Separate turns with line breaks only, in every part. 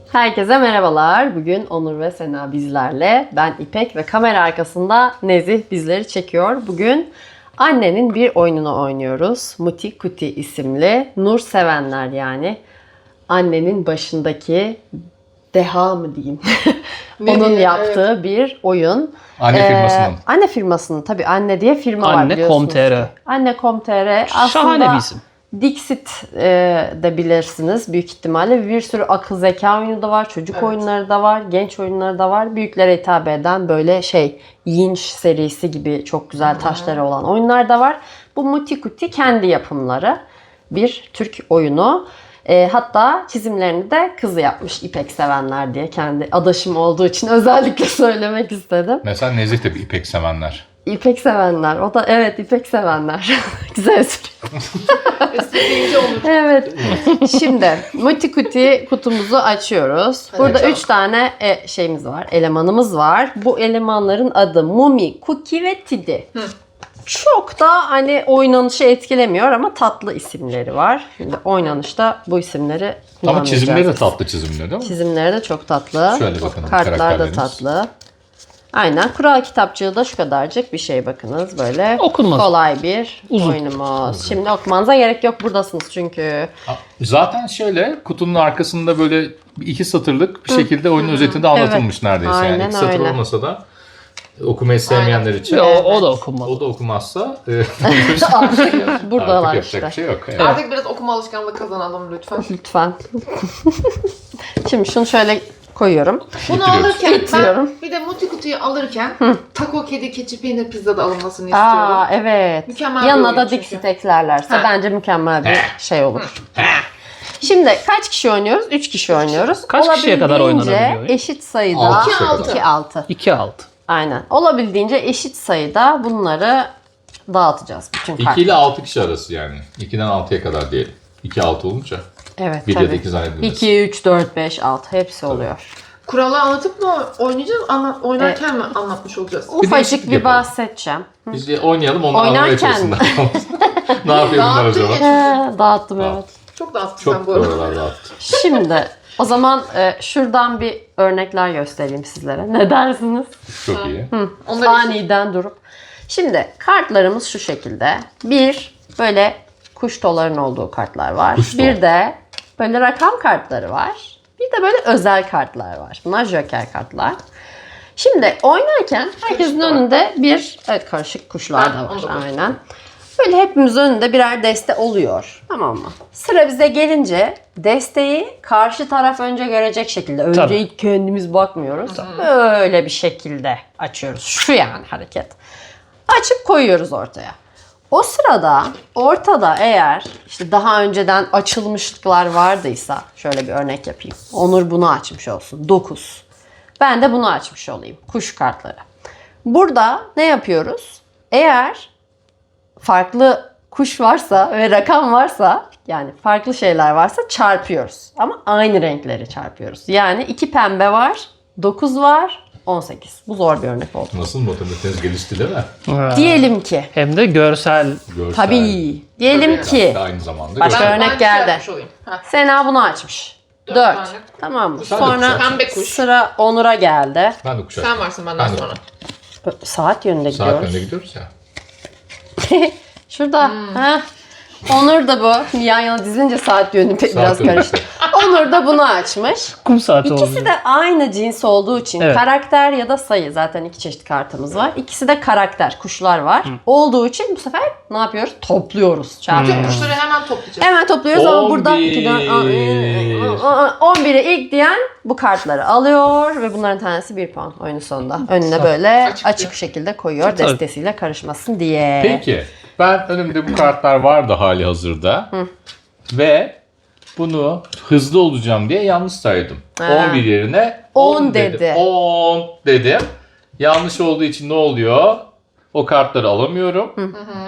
Herkese merhabalar. Bugün Onur ve Sena bizlerle. Ben İpek ve kamera arkasında Nezih bizleri çekiyor. Bugün annenin bir oyununu oynuyoruz. Muti Kuti isimli. Nur sevenler yani. Annenin başındaki deha mı diyeyim. Onun yaptığı bir oyun.
Anne firmasının.
Anne firmasının tabii anne diye firma var biliyorsunuz.
Anne.com.tr.
Anne.com.tr aslında
Şahane bir isim.
Dixit de bilirsiniz büyük ihtimalle. Bir sürü akıl zeka oyunu da var, çocuk oyunları da var, genç oyunları da var. Büyüklere hitap eden böyle Yinş serisi gibi çok güzel taşları olan oyunlar da var. Bu Muti Kuti kendi yapımları bir Türk oyunu. Hatta çizimlerini de kızı yapmış İpek sevenler diye. Kendi adaşım olduğu için özellikle söylemek istedim.
Mesela Nezih de bir İpek sevenler.
İpek sevenler. O da evet İpek sevenler. Güzel espri.
Espri olur.
Evet. Şimdi Muti Kuti kutumuzu açıyoruz. Burada
açalım.
3 tane şeyimiz var. Elemanımız var. Bu elemanların adı Mumi, Cookie ve Tidi. Çok da hani oynanışı etkilemiyor ama tatlı isimleri var. Şimdi oynanışta bu isimleri
Ama
kullanmayacağız.
çizimleri de tatlı çizimler değil mi?
Çizimleri de çok tatlı.
Şöyle bakın
Kartlar da
karakterleriniz.
tatlı. Aynen. Kural kitapçığı da şu kadarcık bir şey bakınız böyle.
Okunmaz.
Kolay bir
Uzun.
oyunumuz. Şimdi okumanıza gerek yok. Buradasınız çünkü.
Zaten şöyle kutunun arkasında böyle iki satırlık bir şekilde oyunun özetinde anlatılmış neredeyse.
Aynen
Yani iki satır
öyle.
olmasa da okumayı sevmeyenler için
O da okunmalı.
o da okumazsa
Artık buradalar
artık
işte.
yapacak bir şey yok. Evet.
Artık biraz okuma alışkanlığı kazanalım lütfen.
Lütfen. Şimdi şunu şöyle koyuyorum.
Bunu
İttiriyoruz.
alırken
İttiriyorum.
ben bir de Muti Kutu'yu alırken taco, kedi, keçi, peynir pizza da alınmasını istiyorum.
Aa evet.
Mükemmel bir
Yanına
oyun
da
çünkü.
Dixit eklerlerse
Ha.
bence mükemmel bir şey olur. Şimdi kaç kişi oynuyoruz? 3 kişi oynuyoruz.
Kaç kişiye kadar
Olabildiğince
oynanabiliyor oyun?
eşit sayıda.
Altı
kişiye kadar.
2-6.
2-6.
Aynen. Olabildiğince eşit sayıda bunları dağıtacağız. Bütün
2 ile
kartları.
6 kişi arası yani. 2'den 6'ya kadar diyelim. 2-6 olunca.
Evet
Bir ya da
tabii.
2 zannedilmez.
2, 3, 4, 5, 6 hepsi oluyor.
Kuralı anlatıp mı oynayacağız, oynarken mi anlatmış olacağız?
Bir
Ufacık
değişiklik
bir
yapalım.
bahsedeceğim.
Biz de oynayalım onlar anlamaya
Oynarken-
çalışsınlar. Ne yapıyor bunlar
Dağıttın
acaba?
ya.
Dağıttım evet.
Çok dağıttın
Çok
sen bu arada.
oralar dağıttı.
Şimdi o zaman şuradan bir örnekler göstereyim sizlere. Ne dersiniz?
Çok iyi.
Onları
Aniden durup. Şimdi kartlarımız şu şekilde. Bir böyle kuş toların olduğu kartlar var.
Kuş tol.
Bir de böyle rakam kartları var. Bir de böyle özel kartlar var. Bunlar joker kartlar. Şimdi oynarken herkesin
da var.
önünde bir karışık kuşlar da
Ha, onu da
var.
koy.
Aynen. Böyle hepimizin önünde birer deste oluyor. Tamam mı? Sıra bize gelince desteği karşı taraf önce görecek şekilde. Önce
Tabii.
ilk kendimiz bakmıyoruz. Böyle bir şekilde açıyoruz. Şu yani hareket. Açıp koyuyoruz ortaya. O sırada ortada eğer işte daha önceden açılmışlıklar vardıysa şöyle bir örnek yapayım. Onur bunu açmış olsun. 9. Ben de bunu açmış olayım. Kuş kartları. Burada ne yapıyoruz? Eğer farklı kuş varsa ve rakam varsa yani farklı şeyler varsa çarpıyoruz. Ama aynı renkleri çarpıyoruz. Yani 2 pembe var, 9 var, 18. Bu zor bir örnek oldu.
Nasıl matematiğiniz gelişti değil mi?
Diyelim ki.
Hem de görsel.
Görsel.
Tabii. Diyelim
Tabii.
ki
Aynı zamanda
Başka
görsel.
örnek
Ben
geldi.
yapmış olayım. Ha.
Sena bunu açmış. 4.
tane.
Tamam mı?
Sen de
Sonra
kuş
Pembe kuş.
sıra Onur'a geldi.
Ben de kuşak.
Sen varsın benden
Ben de.
sonra.
Saat yönünde
Saat
gidiyoruz.
önüne gidiyoruz ya.
Şurada. Heh. Onur da bu. Yan yana dizilince saat yönü biraz
yönü
karıştı. Onur da bunu açmış.
Kum saati oldu.
İkisi de aynı cins olduğu için
Evet.
karakter ya da sayı, zaten iki çeşit kartımız var. İkisi de karakter, kuşlar var. Olduğu için bu sefer ne yapıyoruz? Topluyoruz.
Tüm
Çarpıyoruz.
kuşları hemen toplayacağız.
Hemen topluyoruz ama burada
11.
11'e ilk diyen bu kartları alıyor ve bunların tanesi 1 puan oyunun sonunda. Önüne böyle açık şekilde koyuyor
Tabii.
destesiyle karışmasın diye.
Peki. Ben önümde bu kartlar vardı hali hazırda. Ve bunu hızlı olacağım diye yanlış saydım.
Ha.
11 yerine
10 dedi.
10 dedim. Yanlış olduğu için ne oluyor? O kartları alamıyorum.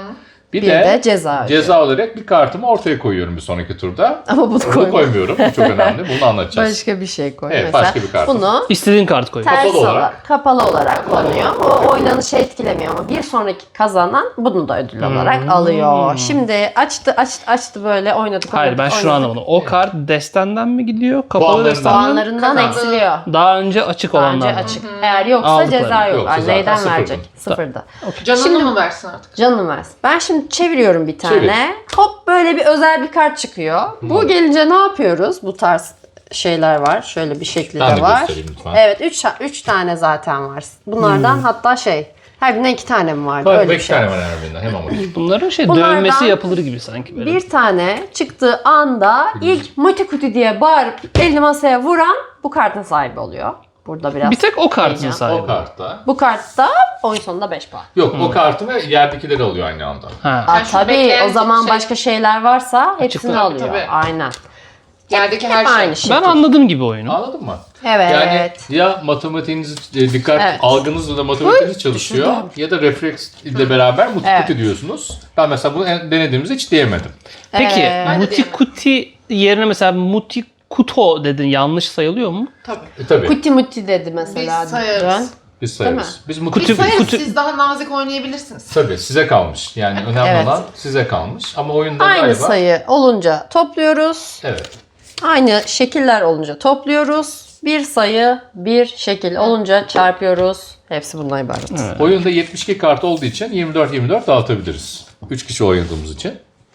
Bir
Bir
de
de ceza.
ceza olarak bir kartımı ortaya koyuyorum bir sonraki turda.
Ama bunu
Bunu koymuyorum. Bu çok önemli. Bunu anlatacağız.
Başka bir şey koy.
Evet,
Mesela
başka bir kart.
bunu
İstediğin kart koy.
ters
Kapalı olarak.
olarak, kapalı olarak kullanıyor. O oynanışı etkilemiyor ama bir sonraki kazanan bunu da ödül olarak alıyor. Şimdi açtı böyle oynadık.
Hayır ben şunu anlamadım. O kart destenden mi gidiyor? Kapalı
Puanlarından.
destenden mi?
Puanlarından
Kazandı.
eksiliyor.
Daha önce açık
Bence
olanlar.
açık. Eğer yoksa
Aldıkları.
ceza yok.
Yoksa
Yani
zaten
neyden
sıfırdı.
verecek? Sıfırda.
Canını
Şimdi-
mı versin artık?
Canım versin. Ben şimdi çeviriyorum bir tane.
Çevir.
Hop böyle bir özel bir kart çıkıyor. Bu gelince ne yapıyoruz? Bu tarz şeyler var. Şöyle bir şekli
Ben
de
de
var.
göstereyim lütfen.
Evet 3 tane zaten var. Bunlardan hatta her birinden 2 tane mi vardı? Öyle bir
Beş
şey.
tane var her birinden. Hemen bakayım.
Bunların
Bunlardan
dövmesi yapılır gibi sanki böyle.
Bir tane çıktığı anda ilk Mutikuti diye bağırıp elini masaya vuran bu kartın sahibi oluyor. Burada biraz.
Bir tek o kartın
Heyecan.
sahibi.
O kartta.
Bu kartta oyun sonunda 5 puan.
Yok o kartı ve yerdekileri alıyor aynı anda.
Ha.
Aa,
Yani şu
tabii
bekleyen
o zaman
şey-
başka şeyler varsa hepsini
Açıklar.
alıyor.
Tabii.
Aynen.
Yerdeki
Hep
her şey.
aynı şey.
Ben anladım gibi oyunu.
Anladın mı?
Evet.
Yani ya matematiğiniz dikkat
Evet.
algınızla da matematiğiniz çalışıyor
düşündüm.
ya da refleks ile beraber mutikuti
Evet.
diyorsunuz. Ben mesela bunu denediğimizde hiç diyemedim.
Peki
Evet.
Mutikuti yerine mesela Mutikuto dedin, yanlış sayılıyor mu?
Tabii.
Tabii
Kuti muti dedi mesela.
Biz sayarız.
Dön.
biz sayarız. Biz
Biz
mutikuti
sayarız, siz daha nazik oynayabilirsiniz.
tabii size kalmış. Yani önemli
Evet.
olan size kalmış. Ama oyunda
Aynı
galiba
sayı olunca topluyoruz.
evet.
Aynı şekiller olunca topluyoruz. Bir sayı, bir şekil olunca çarpıyoruz. Hepsi bundan ibaret.
Oyunda 72 kart olduğu için 24 dağıtabiliriz. 3 kişi oynadığımız için.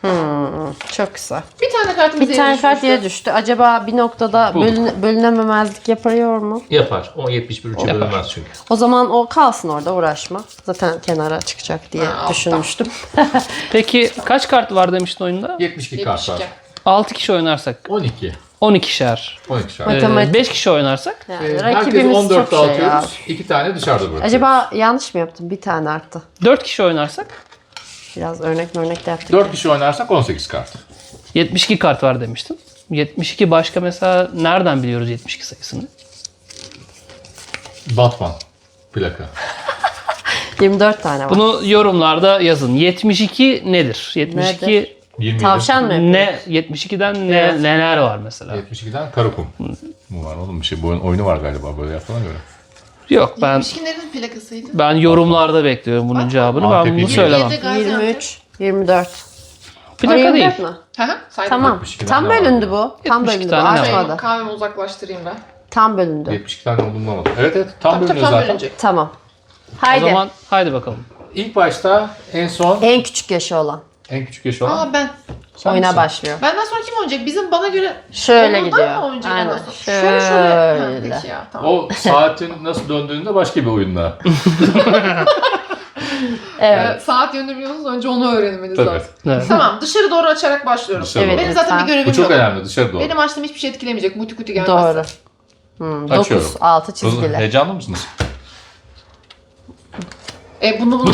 Çok güzel.
Bir tane kartımız
Bir tane kart yere düştü. Acaba bir noktada
Bulduk.
bölünememezlik yapıyor mu?
Yapar. O 71 3'e bölünmez çünkü.
O zaman o kalsın orada, uğraşma. Zaten kenara çıkacak diye
Ha,
düşünmüştüm.
Peki kaç kart var demiştin oyunda?
72 kart var.
72.
6 kişi oynarsak
12.
12'şer.
12 kart.
Matematik.
5 kişi oynarsak
Yani
Herkes
rakibimiz
14
çok şey ya.
dağıtıyoruz. 2 tane dışarıda bırakıyoruz.
Acaba yanlış mı yaptım? Bir tane arttı.
4 kişi oynarsak
Biraz örnek de yaptık.
4 kişi oynarsak 18 kart.
72 kart var demiştin. 72 başka mesela nereden biliyoruz 72 sayısını?
Batman plaka.
24 tane var.
Bunu yorumlarda yazın. 72 nedir? 72
Nedir?
27.
Tavşan mı yapıyoruz?
ne? 72'den neler var mesela?
72'den Karakum. Bu var oğlum bir şey. Bu oyunu var galiba böyle yapılan göre.
Yok ben
72'lerin plakasıydı.
ben yorumlarda bekliyorum bunun cevabını. Ben
Antep
bunu
yedi.
söylemem.
23, 24.
Plaka değil.
24 mü?
Hı hı. Saydım.
Tamam.
72'den
Tam
ne var?
bölündü bu. Tam
72
bölündü bu.
tane ne var?
Artmadı.
Kahvemi uzaklaştırayım ben.
Tam bölündü.
72 tane olduğunu bulamadım. Evet tam
Tabii
bölünüyor
tam
zaten.
bölünecek.
Tamam.
O
Haydi.
zaman haydi bakalım.
İlk başta en son
En küçük yaşı olan
en küçük yaşı olan.
Aa ben.
Sen
oyuna
misin?
başlıyor.
Benden sonra kim oynayacak? Bizim bana göre
Şöyle
ondan
gidiyor.
mı oynayacak
Aynen.
ondan sonra? Şöyle. Ha,
Şöyle.
peki ya tamam.
O saatin nasıl döndüğünde başka bir oyunda.
Evet.
Saat yönünü biliyorsunuz, önce onu öğrenmeniz
Tabii.
lazım.
Evet.
Tamam, dışarı doğru açarak başlıyorum.
Dışarı
Evet,
Benim zaten
lütfen.
bir görevim
Bu çok
yok.
önemli dışarı doğru.
Benim açtığım hiçbir şey etkilemeyecek. Mutikuti gelmezse.
Doğru. 9,
Açıyorum.
6 çizgili.
Heyecanlı mısınız?
Bunu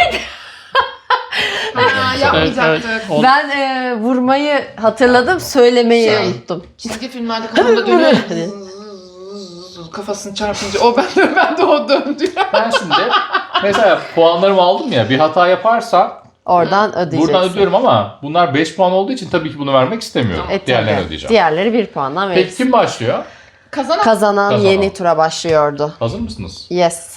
Ha, yapmayacaktık.
Evet.
Ben vurmayı hatırladım, söylemeyi
Şey.
unuttum.
Çizgi filmlerde kafamda dönüyor. Kafasını çarpınca o ben de o döndü.
Ben şimdi mesela puanlarımı aldım ya bir hata yaparsam
Oradan ödeyeceksin.
buradan ödüyorum ama bunlar 5 puan olduğu için tabii ki bunu vermek istemiyorum. Diğerlerini
Tabii.
ödeyeceğim.
Diğerleri 1 puandan
Peki
verirsin.
kim başlıyor?
Kazanan
Kazanan yeni tura başlıyordu.
Hazır mısınız?
Yes.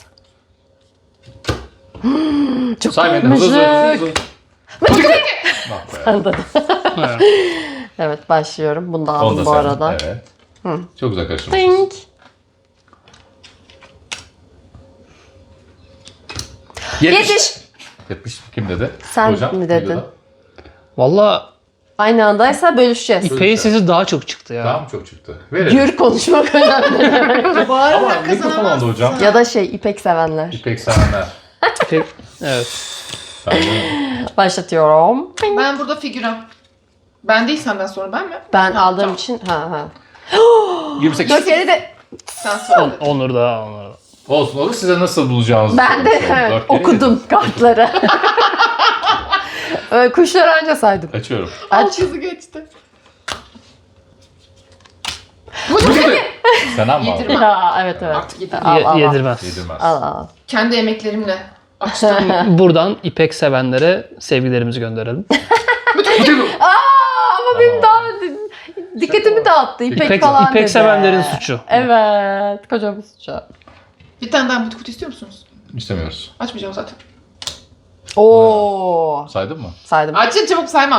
Çok
Say beni hızlı hızlı. Ah be.
Evet.
Evet, başlıyorum. Bunu da
Onu
aldım
da
bu
sen.
arada.
Evet. Çok güzel karıştırmışsınız.
Ding. 70.
70 kim dedi?
Sen
Hocam,
mi dedin?
videoda.
Valla
Aynı andaysa bölüşeceğiz.
İpek'in sesi daha çok çıktı ya.
Daha mı çok çıktı? Verelim.
Gür konuşmak önemli.
Ama mikrofon aldı hocam.
Ya da İpek sevenler.
İpek sevenler.
İpek, evet.
Ben de
Başlatıyorum.
ben burada figüran. Ben değil, senden sonra ben mi?
Ben
Ha,
aldığım
tamam.
için
28.
4 kere de
Sen sonra.
Onur da.
Olsun olur. Size nasıl bulacağınızı
ben de
söyleyeyim.
evet,
Dört kere
okudum kartları. Öyle kuşları anca saydım.
yedim. Açıyorum.
Aç.
Hızı geçti.
Sen ama
Yedirme.
Ya, evet.
Artık yedirme.
Al.
Yedirmez.
Yedirmez.
Al.
Kendi emeklerimle
Buradan ipek sevenlere sevgilerimizi gönderelim.
Ama benim daha dikkatimi dağıttı. İpek falan
İpek
dedi.
sevenlerin suçu.
Evet. Kocaman suçu.
Bir tane daha mutu kutu istiyor musunuz?
İstemiyoruz.
Açmayacağım zaten.
Oo.
Saydın mı?
Saydım.
Açın çabuk sayma.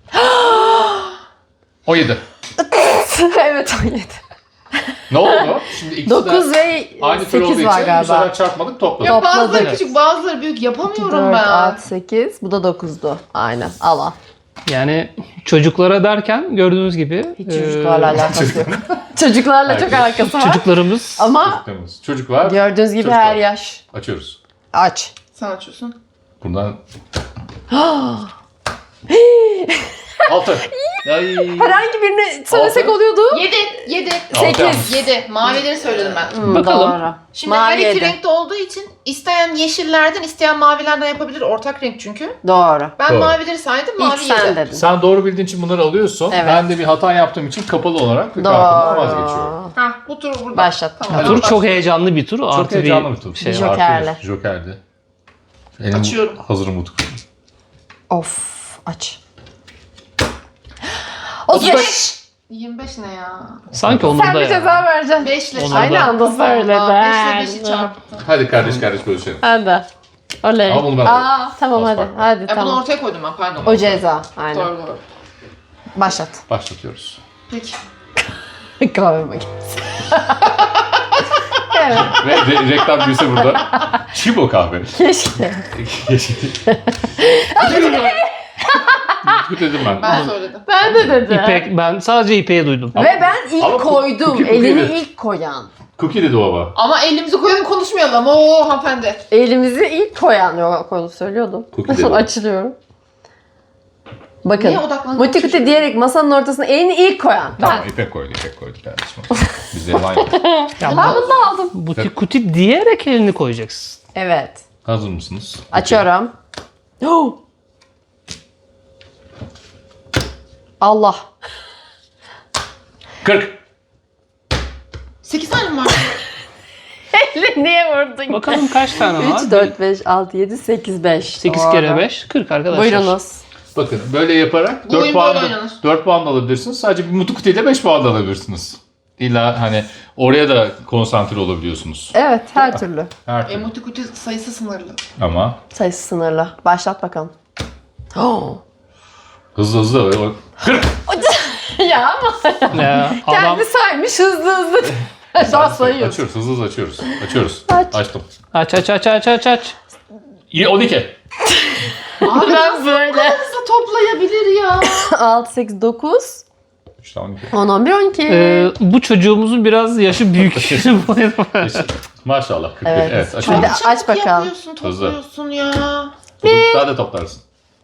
17.
Evet 17.
Ne oldu? Şimdi ikisi
9
de
ve
aynı tür olduğu
8
için
var
bu
galiba.
sefer çarpmadık, topladık.
Ya bazıları
Topladık.
küçük bazıları büyük yapamıyorum
4,
ben.
6, 8. Bu da 9'du. Aynen. Al al.
Yani çocuklara derken gördüğünüz gibi
Hiç çocuklarla alakası yok. Çocuklarla çok
Herkes.
alakası var.
çocuklarımız
Ama
Çocuklarımız. Çocuk var.
gördüğünüz gibi
Çocuk
her
var.
yaş.
Açıyoruz.
Aç.
Sen açıyorsun.
Bundan 6. Ay.
Herhangi birini söylesek
Altı.
oluyordu.
7.
8.
7. Mavileri söyledim ben.
Bakalım.
Doğru.
Şimdi
Mavi
her iki
7.
renkte olduğu için isteyen yeşillerden, isteyen mavilerden yapabilir. Ortak renk çünkü.
Doğru.
Ben
Doğru.
mavileri saydım,
İlk
mavi
sen
7.
dedin.
Sen doğru bildiğin için bunları alıyorsun.
Evet.
Ben de bir hata yaptığım için kapalı olarak kartımdan vazgeçiyorum.
Doğru.
Hah, bu turu burada.
Başlat.
Tamam.
Hadi
tur
bakalım.
çok heyecanlı bir tur.
Çok
Artı
heyecanlı bir tur.
şey
Bir
var.
jokerli.
Artı bir jokerli. Elim
Açıyorum.
hazır mutluluk.
Of. Aç. 35.
25 ne ya?
Sanki onurda
Sen bir
ya.
ceza vereceksin.
5 ile
Onu
çarptım.
Aynı anda söyle
5
ben.
ile 5'i çarptım.
Hadi kardeş bölüşelim.
Hadi. Oley.
Ama bunu ben
Aa, tamam
Az
hadi.
fark var.
Hadi
Bunu
tamam.
ortaya koydum ben pardon.
O ceza. Aynen.
Doğru.
Başlat.
Başlatıyoruz.
Peki.
Kahve makinesi. Evet.
Ve reklam büyüse burada. Çibo kahve.
Keşke.
Mutlu dedim ben.
Ben söyledim.
Ben de dedim.
Ben sadece İpek'i duydum.
Ve ben ilk
Ama
koydum.
cookie
Elini
dedi.
ilk koyan.
Cookie dedi baba.
Ama elimizi koyalım konuşmayalım. Oo hanımefendi.
Elimizi ilk koyan. Yok onu söylüyordum.
Cookie dedi.
Açılıyorum. Bakın.
Niye odaklandın?
Muti diyerek masanın ortasına elini ilk koyan. Ben.
Tamam İpek koydu kardeşim. Bizlerim aynı.
Ya
Ben bunu da aldım.
butik kuti diyerek elini koyacaksın.
Evet.
Hazır mısınız?
Açıyorum. Allah.
40.
8 tane mi var?
Elini niye vurdun?
Bakalım kaç tane var?
3, 4, 5, 6, 7, 8, 5.
8 kere 5, 40 arkadaşlar.
Buyurunuz.
Bakın böyle yaparak
Bu
4
oyun
puan,
böyle oynanır.
4 puan da alabilirsiniz. Sadece bir mutlu kutuyla 5 puan da alabilirsiniz. İlla hani oraya da konsantre olabiliyorsunuz.
Evet her türlü.
Her türlü.
Emotikoti sayısı sınırlı.
Ama
Sayısı sınırlı. Başlat bakalım.
hızlı. 40.
Ya ama
Ya, adam
kendi saymış hızlı. Daha sayıyor.
Açıyoruz. Hızlı açıyoruz. Açıyoruz.
Aç.
Açtım.
aç.
12.
Abi
Ben böyle.
nasıl toplayabilir ya?
6, 8, 9,
3 tane 12.
10, 11, 12.
Bu çocuğumuzun biraz yaşı büyük.
Maşallah 41.
Evet.
Evet.
Hadi
açıyorum.
aç bakalım.
Yapıyorsun, topluyorsun ya.
Daha da toplarsın.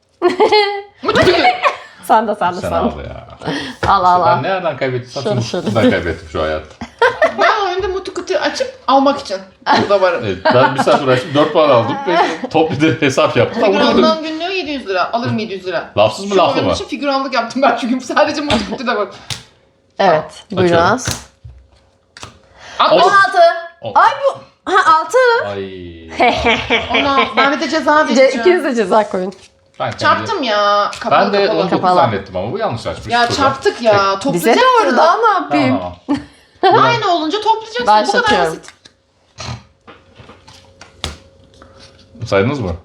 Sen de.
Sen al ya.
Al.
Ben nereden kaybettiysem
Şöyle.
şuradan kaybettim şu hayatta.
Ben oyunda mutukutu açıp almak için burada varım.
Evet, ben bir saat uğraştım 4 puan aldım ve toplu bir hesap yaptım. Ama burada
Figüranlığın günlüğü 700 lira. Alırım 700 lira.
lafsız mı
Şu
laflı
oyun
mı?
için figüranlık yaptım ben çünkü sadece mutukutuda bak.
Evet. Buyurunuz.
60.
16.
On.
Ay bu. Ha 6.
Ay.
Ona ben bir de ceza vereceğim.
İkiniz de ceza koyun.
Ben, kendi-
Çarptım ya. Kapalı
Ben de
kapalı.
19
Kapalı.
zannettim ama bu yanlış açmış.
Ya
Şurada.
çarptık ya.
Bize
Toplayacaksın.
doğru daha ne yapayım?
Tamam.
Aynı olunca toplayacaksın. Bu kadar
Başlatıyorum.
basit.
Saydınız mı?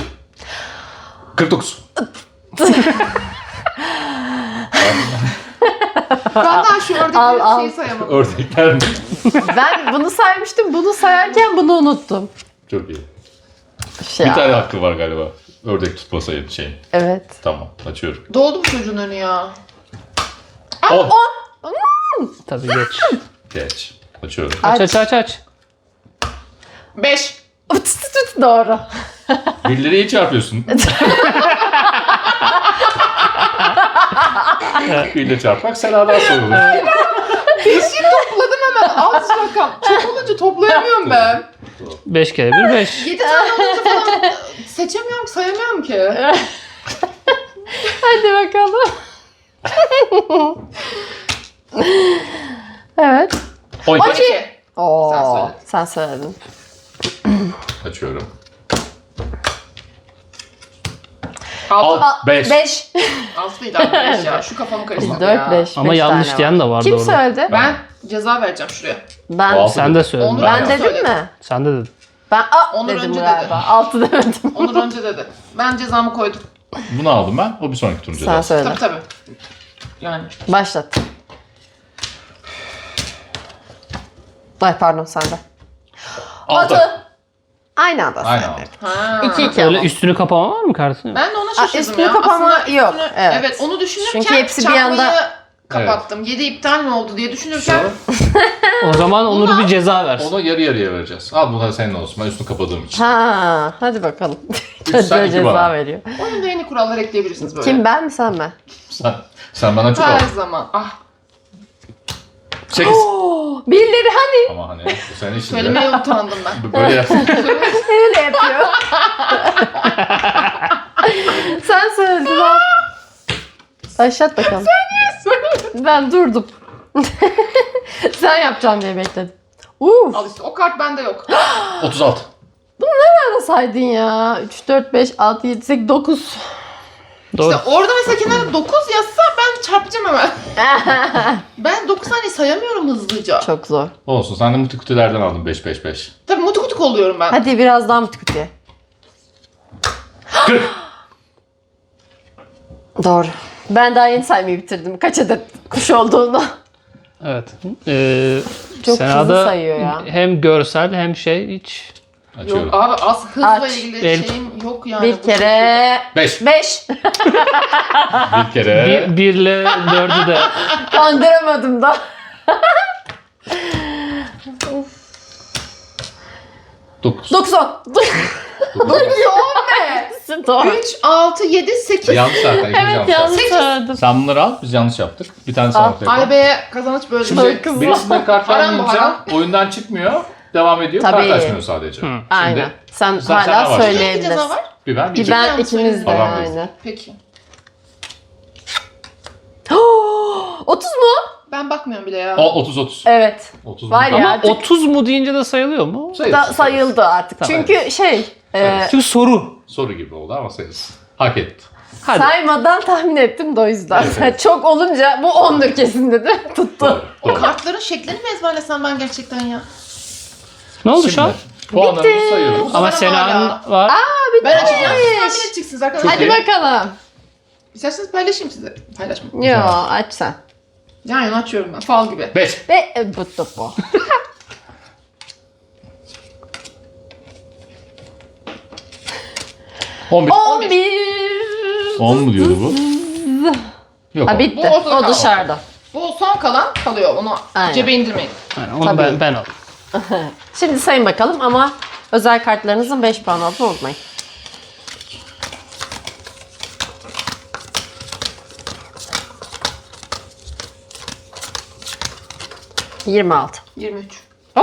49.
Ben daha şu
Al.
ördekleri şeyi sayamadım.
Ördekler mi?
Ben bunu saymıştım. Bunu sayarken bunu unuttum.
Çok iyi.
Şey.
Bir tane hakkı var galiba. Ördek tutma şeyin.
Evet.
Tamam açıyorum.
Doldu mu çocuğun önü ya?
10.
Tabii geç.
Geç. Açıyorum.
Aç.
5.
Doğru.
Birileri iyi çarpıyorsun. Biriyle çarpmak seladan sorulur.
5'i topladım hemen. Az rakam. Çok olunca toplayamıyorum ben.
5 kere 1 5.
7 tane olunca falan seçemiyorum ki, sayamıyorum ki.
Hadi bakalım. Evet.
12.
12.
Oo,
Sen söyle.
sen söyledin.
Açıyorum. Al 5.
5.
6 değil abi 5 ya. Şu kafamı karıştırdı
4,
ya.
5.
Ama yanlış diyen de vardı
Kim
orada.
söyledi?
Ben ceza vereceğim şuraya.
Ben.
Altı
Sen
dedi.
de söyledin.
Onu
Ben
ben
dedim
söyledim.
mi?
Sen de dedin.
Ben
Onur
dedim
önce
galiba.
dedi.
6 demedim.
Onur önce dedi. Ben cezamı koydum.
Bunu aldım ben. O bir sonraki turun
Sen
cezası.
söyle.
Tabii tabii. Yani.
Başlat. Ay pardon sende.
6.
Aynı anda
Aynen
sen.
6.
Ha.
2-2
Öyle
ama.
üstünü kapama var mı kartın?
Ben de ona şaşırdım
üstünü
ya.
kapama
Aslında
yok,
üstünü-
evet.
Evet onu düşünürken
Çünkü hepsi bir
çarpmayı
anda-
kapattım. 7 iptal mi oldu diye düşünürken
O zaman Onur bir ceza versin.
Onu yarı yarıya vereceğiz. Al bu da senin olsun. Ben üstünü kapadığım için.
Ha, hadi bakalım.
sen,
Çocuğa
iki
ceza
bana.
veriyor.
oyunda yeni kurallar ekleyebilirsiniz böyle.
Kim, ben mi sen mi?
Sen bana çok
Her
al.
zaman. Ah
8.
Birileri hani
Ama hani bu senin işin de.
söylemeye utandım ben.
Böyle yap.
öyle yapıyor. Sen söyledin ha. Başlat bakalım. Ben durdum. Sen yapacaksın diye bekledim.
Al işte o kart bende yok.
36.
Nerede saydın ya? 3, 4, 5, 6, 7, 8, 9.
Doğru.
İşte orada mesela kenara 9 yazsa ben çarpacağım hemen. Ben 9 saniye sayamıyorum hızlıca.
Çok zor.
Olsun. Sen de multikütülerden aldın 5.
Tabii mutuk oluyorum ben.
Hadi biraz daha mı tükütüye?
40.
Doğru. Ben daha yeni saymayı bitirdim. Kaç adet kuş olduğunu.
Evet.
Çok
Sena'da
hızlı sayıyor ya.
hem görsel hem şey hiç.
Açıyorum.
Yok abi az hızla
Aç.
ilgili
El-
şeyim yok yani.
Bir kere
5.
5.
Bir kere.
1 ile 4'ü de
Kandıramadım da.
9.
90. 9 ne? Doğru.
3, 6, 7, 8.
Yanlış zaten.
Evet yanlış söyledim.
Sen bunları al. Biz yanlış yaptık. Bir tane
Al.
sana ortaya koy.
Ay be kazanç böyle.
Şimdi
Kızım.
birisinden kart
Haram bu,
vermeyince
haram.
oyundan çıkmıyor. Devam ediyor.
Tabii.
Kart açmıyor sadece.
Aynen. Sen
sen
hala
ne var?
Bir ceza
söyleyebilirsin.
var.
Bir ben bir
Bir ben
Yanlış
ikimiz de
Tamam,
aynı.
Peki.
30 mu?
Ben bakmıyorum bile ya.
O 30.
Evet.
30
Var ya.
ama
artık
30 mu deyince de sayılıyor mu?
sayıldı artık.
Tamam.
Çünkü
Çünkü soru.
Soru gibi oldu ama sayılsın. Hak etti.
Hadi.
saymadan tahmin ettim de o yüzden.
Evet.
Çok olunca bu 10'dur kesin dedi. Tuttu.
Doğru.
O
Doğru.
kartların şeklini mi ezberlesem ben gerçekten ya?
Ne oldu şu an?
Puanlarımızı sayıyoruz.
Ama
Bana
Sena'nın
hala.
var.
Ben açacağım. Siz tahmin edeceksiniz arkadaşlar.
Hadi
iyi.
bakalım.
İsterseniz paylaşayım size. Paylaşmayın.
Yo aç sen.
Yan yana açıyorum ben. Fal gibi.
5.
Ve bu.
11.
11.
10 mu diyordu bu? Yok.
Ha
on.
bitti.
Bu ortada
O
kaldı.
dışarıda.
Bu son kalan kalıyor. Onu
Aynen.
cebe indirmeyin.
Yani onu
Tabii.
ben aldım.
Şimdi sayın bakalım ama özel kartlarınızın 5 puan olduğunu unutmayın. ...26.
23.
Oo!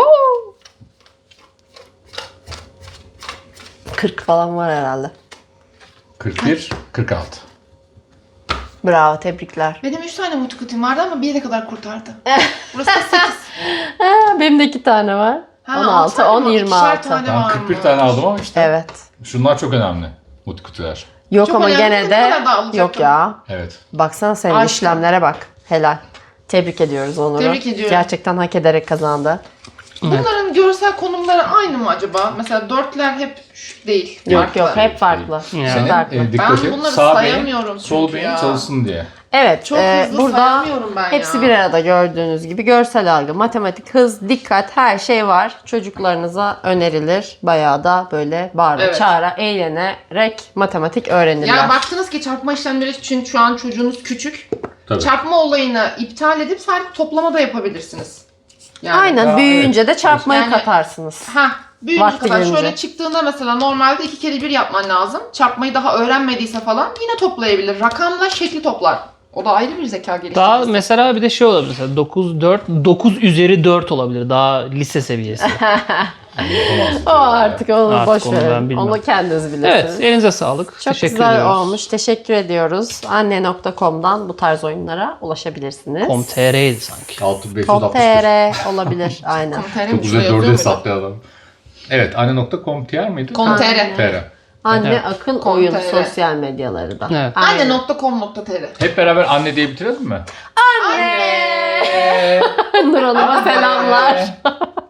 40 falan var herhalde.
41. 46.
Bravo, tebrikler.
Benim 3 tane multikutim vardı ama bir yere kadar kurtardı. Burası da 8.
Ha, benim de 2 tane var. 16, 10, 26.
Ben 41 tane aldım ama işte.
Evet.
Şunlar çok önemli. Multikütüler.
Yok
Çok
ama
önemli,
gene
bu
de
kadar da alacaktım.
yok ya.
Evet.
Baksana senin
Aşkım.
işlemlere bak. Helal. Tebrik ediyoruz Onur'u.
Tebrik ediyorum.
Gerçekten hak ederek kazandı.
Bunların görsel konumları aynı mı acaba? Mesela dörtler hep değil.
Yok
farklı.
yok hep farklı.
Yani.
Hep
Senin
farklı.
dikkati
bunları
sağ beyin,
sayamıyorum
sol
çünkü
beyin
ya.
çalışsın diye.
Evet,
Çok hızlı
burada
sayamıyorum ben
hepsi
ya.
bir arada gördüğünüz gibi görsel algı, matematik, hız, dikkat her şey var. Çocuklarınıza önerilir. Bayağı da böyle bağıra
Evet.
çağıra eğlenerek matematik öğrenirler.
Ya baktınız ki çarpma işlemleri için şu an çocuğunuz küçük.
Tabii.
Çarpma olayını iptal edip sadece toplama da yapabilirsiniz. Yani.
Aynen,
Ya,
büyüyünce de çarpmayı
Yani-
katarsınız.
Büyüyünce
Vakti
kadar
gelince.
şöyle çıktığında mesela normalde 2 kere 1 yapman lazım. Çarpmayı daha öğrenmediyse falan yine toplayabilir. Rakamla şekli toplar. O da ayrı bir zeka geliştirmesi.
Daha mesela bir de şey olabilir. Mesela 9 üzeri 4 olabilir. Daha lise seviyesi.
O artık onu
Artık
boş
onu ben
verin.
bilmem.
Onu kendiniz bilirsiniz.
Evet, elinize sağlık.
Çok
Teşekkür
güzel
ediyoruz.
olmuş. Teşekkür ediyoruz. Anne.com'dan bu tarz oyunlara ulaşabilirsiniz.
Com.tr'ydi sanki.
6561.
Com.tr olabilir. Aynen.
Com.tr mi?
Çok
Şuraya
güzel 4'e
yazıyor muydu?
hesaplayan adam. Evet, anne.com.tr miydi?
Com.tr.
TR.
Anne
Evet.
akıl
Com
oyun
TR.
sosyal medyaları da.
Evet.
Aynen.
Anne.com.tr
Hep beraber anne diye bitirelim mi?
Nur Hanım'a selamlar.